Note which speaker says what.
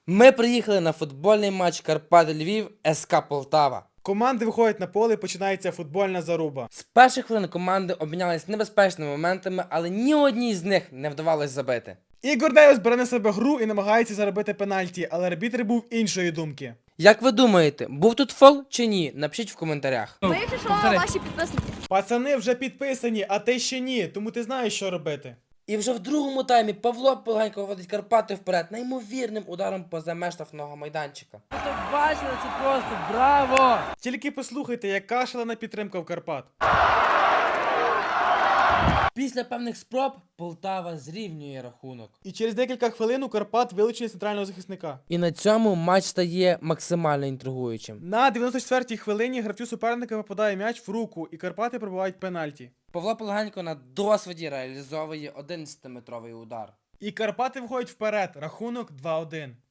Speaker 1: Ми приїхали на футбольний матч Карпати Львів СК Полтава.
Speaker 2: Команди виходять на поле і починається футбольна заруба.
Speaker 1: З перших хвилин команди обмінялись небезпечними моментами, але ні одній з них не вдавалось забити.
Speaker 2: Ігор Дейвіс бере на себе гру і намагається заробити пенальті, але арбітр був іншої думки.
Speaker 1: Як ви думаєте, був тут фол чи ні? Напишіть в коментарях.
Speaker 3: Ми, якщо що, ваші підписники.
Speaker 2: Пацани вже підписані, а ти ще ні, тому ти знаєш, що робити.
Speaker 1: І вже в другому таймі Павло Полганько виводить Карпати вперед неймовірним ударом поза меж штрафного майданчика.
Speaker 4: Ви то бачили, це просто браво!
Speaker 2: Тільки послухайте, яка шалена підтримка в Карпат.
Speaker 1: Після певних спроб Полтава зрівнює рахунок.
Speaker 2: І через декілька хвилин у Карпат вилучили центрального захисника.
Speaker 1: І на цьому матч стає максимально інтригуючим.
Speaker 2: На 94-й хвилині гравцю суперника попадає м'яч в руку, і Карпати пробивають пенальті.
Speaker 1: Павло Полганько на досвіді реалізовує 11-метровий удар.
Speaker 2: І Карпати виходять вперед, рахунок 2-1.